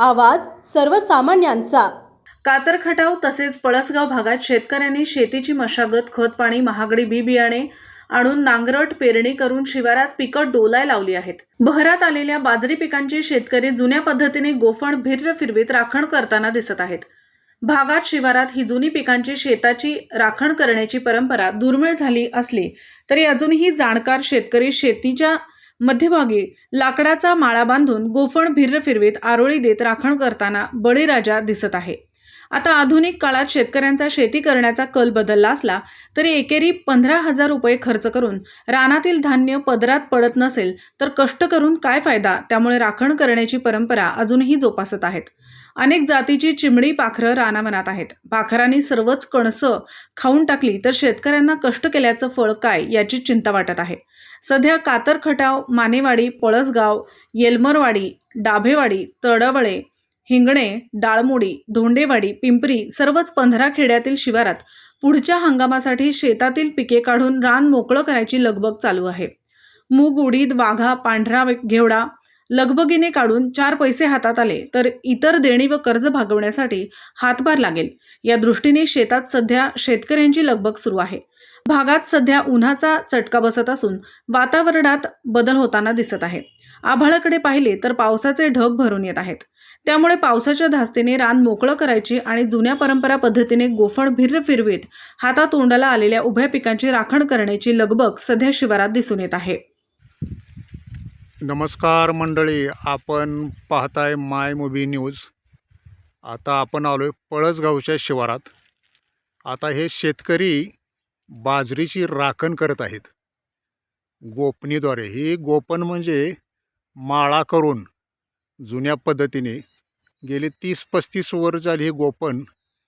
आवाज सर्वसामान्यांचा। कातर खटाव तसेच पळसगाव भागात शेतकऱ्यांनी शेतीची मशागत, खत पाणी, महागडी बी बियाणे आणून नांगरट पेरणी करून शिवारात पिकं डोलाय लावली आहेत। बहरात आलेल्या बाजरी पिकांची शेतकरी जुन्या पद्धतीने गोफण भिर्र फिरवीत राखण करताना दिसत आहेत। भागात शिवारात ही जुनी पिकांची शेताची राखण करण्याची परंपरा दुर्मिळ झाली असली तरी अजूनही जाणकार शेतकरी शेतीच्या मध्यभागी लाकडाचा माळा बांधून गोफण भिर्र फिरवीत आरोळी देत राखण करताना बळीराजा दिसत आहे। आता आधुनिक काळात शेतकऱ्यांचा शेती करण्याचा कल बदलला असला तरी एकेरी 15,000 रुपये खर्च करून रानातील धान्य पदरात पडत नसेल तर कष्ट करून काय फायदा। त्यामुळे राखण करण्याची परंपरा अजूनही जोपासत आहेत। अनेक जातीची चिमणी पाखरं रानावनात आहेत। पाखरांनी सर्वच कणसं खाऊन टाकली तर शेतकऱ्यांना कष्ट केल्याचं फळ काय याची चिंता वाटत आहे। सध्या कातर खटाव, मानेवाडी, पळसगाव, येलमरवाडी, डाभेवाडी, तडवळे, हिंगणे, डाळमोडी, धोंडेवाडी, पिंपरी सर्वच 15 खेड्यातील शिवारात पुढच्या हंगामासाठी शेतातील पिके काढून रान मोकळं करायची लगबग चालू आहे। मूग, उडीद, वाघा, पांढरा घेवडा लगबगीने काढून 4 पैसे हातात आले तर इतर देणी व कर्ज भागवण्यासाठी हातभार लागेल या दृष्टीने शेतात सध्या शेतकऱ्यांची लगबग सुरू आहे। भागात सध्या उन्हाचा चटका बसत असून वातावरणात बदल होताना दिसत आहे। आभाळाकडे पाहिले तर पावसाचे ढग भरून येत आहेत। त्यामुळे पावसाच्या धास्तीने रान मोकळं करायची आणि जुन्या परंपरा पद्धतीने गोफण भिर्र फिरवीत हातातोंडाला आलेल्या उभ्या पिकांची राखण करण्याची लगबग सध्या शिवारात दिसून येत आहे। नमस्कार मंडळी, आपण पाहताय माय मूवी न्यूज। आता आपण आलोय पळसगावच्या शिवारात। आता हे शेतकरी बाजरीची राखण करत आहेत गोपणीद्वारे। ही गोपण म्हणजे माळा करून जुन्या पद्धतीने गेली 30-35 वर्ष झाली ही गोपण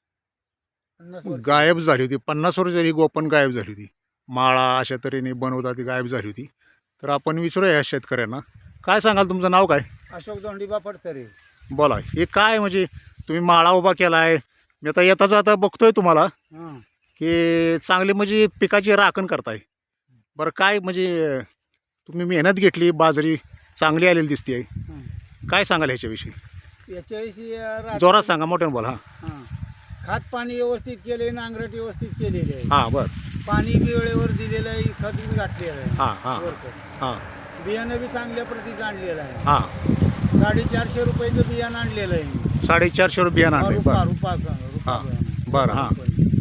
गायब झाली होती। 50 वर्ष झाली ही गोपण गायब झाली होती। माळा अशा तऱ्हेने बनवतात ती गायब झाली होती। तर आपण विचारूया या शेतकऱ्यांना, काय सांगाल? तुमचं नाव काय? अशोक दोंडीबा फडतरे। बोला, हे काय म्हणजे तुम्ही माळा उभा केला आहे? मी आता येता जाता बघतोय तुम्हाला की चांगली म्हणजे पिकाची राखण करताय। बरं, काय म्हणजे तुम्ही मेहनत घेतली, बाजरी चांगली आलेली दिसते आहे, काय सांगाल ह्याच्याविषयी? याच्याविषयी जोरात सांगा, मोठ्यानं बोला। हां, खात पाणी व्यवस्थित केले, नांगरट व्यवस्थित केलेली आहे। हां, बरं, पाणी बी वेळेवर दिलेलं आहे, खत बी घातलेलं आहे। हां हां वरकर हां बियाणं बी चांगल्या प्रतीचं आणलेलं आहे। हां 450 रुपयाचं बियाणं आणलेलं आहे। 450 रुपये बियाणं आणले। रुपा बरं रुपा हां, बरं हां,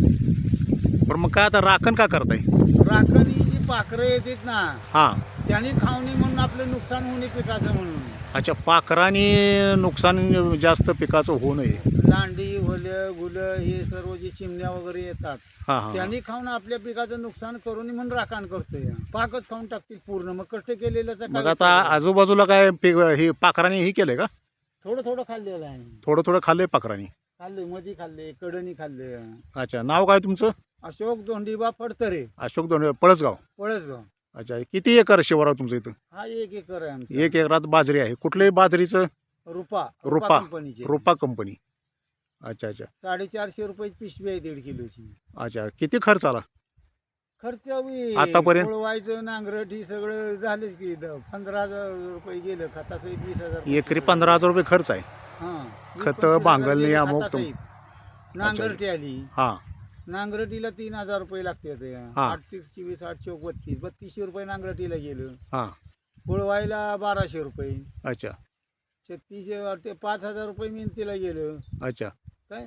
बरं मग काय आता राखण का करताय? राखण ही जी पाखरं येतात ना, हां, त्यांनी खावणी म्हणून आपलं नुकसान होणे पिकाचं म्हणून। अच्छा, पाखराने नुकसान जास्त पिकाचं होऊ नये। लांडी, होलं, गुलं हे सर्व जे चिमण्या वगैरे येतात हां हां, त्यांनी खाऊन आपल्या पिकाचं नुकसान करून म्हणून राखण करतोय। पाकच खाऊन टाकतील पूर्ण, मग कष्ट केलेल्याचा मग काय आता उपयोग? आजूबाजूला काय हे पाखराने हे केलंय का? थोडं थोडं खाल्लेलं आहे। थोडं थोडं खाल्लंय पाखराने? खाल्ले, मधी खाल्ले, कडणी खाल्ले। अच्छा, नाव काय तुमचं? अशोक दोंडीबा फडतरे, अशोक दोन पळसगाव। पळसगाव। अच्छा, किती एकर शिवार तुमचं इथं? हा 1 एकर आहे आमचा। 1 एकरात बाजरी आहे। कुठल्याही बाजरीचं? रुपा रुपा कंपनीची। रुपा कंपनी। अच्छा अच्छा 450 रुपयाची पिशवी आहे 1.5 किलोची। अच्छा, किती खर्च आला खर्च बी आतापर्यंत? वळवायचं, नांगरट ही सगळं झालंच की 15,000 रुपये गेलं। खतासहित 20,000। एकरी 15,000 रुपये खर्च आहे। हां, खत, 20-25,000 भांगलणी, गेले अमुक खतासहित। नांगरटी आली, हां नांगरटीला 3,000 रुपये लागतात। हा. 824, 832, 3200 रुपये नांगरटीला गेलं। हां, फुलवायला 1200 रुपये, अच्छा 3600 5,000 रुपये मेहनतीला गेलं। अच्छा, काय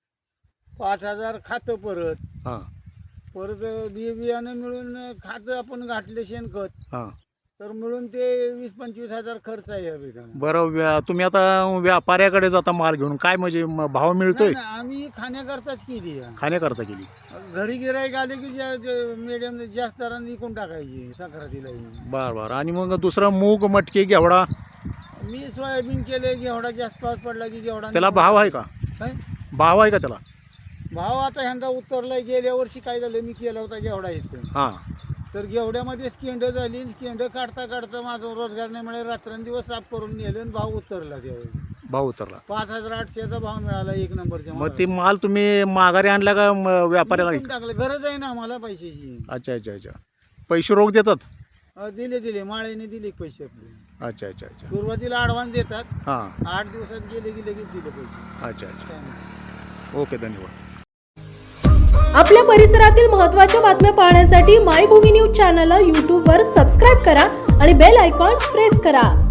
5,000 खातं परत हां परत बियाणं मिळून खातं आपण घातले, शेणखत हां, तर मिळून ते 20-25,000 खर्च आहे या पिकाला। बरं तुम्ही आता व्यापाऱ्याकडे जाता माल घेऊन, काय म्हणजे भाव मिळतोय? नाही, आम्ही खाण्याकरताच केली आहे। खाण्याकरता केली? घरी गिराईक आले की मीडियम जास्त दराने विकून टाकायची संक्रांतीला। बरं बरं, आणि मग दुसरं मूग, मटकी, घेवडा? मी सोयाबीन केले, घेवडा जास्त पाऊस पडला की घेवडा। त्याला भाव आहे का? काय भाव आहे का त्याला? भाव आता ह्यांदा उतरलाय। गेल्या वर्षी काय झालं, मी केला होता घेवडा इथं, हां, तर घेवड्यामध्ये स्केंड झाली। स्केंड काढता काढता माझं रोजगार नाही मिळाला, रात्रंदिवस साफ करून नेलं आणि भाव उतरला। त्यावेळी भाव उतरला। 5,800चा भाव मिळाला 1 नंबरच्या मग ते माल तुम्ही माघारी आणला का व्यापाऱ्याला? टाकलं, गरज आहे ना आम्हाला पैशाची। अच्छा अच्छा अच्छा, पैसे रोख देतात? दिले माळेने दिले पैसे आपले. अच्छा अच्छा अच्छा. सुरुवातीला ॲडव्हान्स देतात, हां. 8 दिवसात गेले की लगेच दिले पैसे. अच्छा अच्छा. काय म्हणते? ओके, धन्यवाद. आपल्या परिसरातील महत्त्वाच्या बातम्या पाहण्यासाठी मायभूमी न्यूज चॅनलला यूट्यूबवर सबस्क्राईब करा आणि बेल आयकॉन प्रेस करा.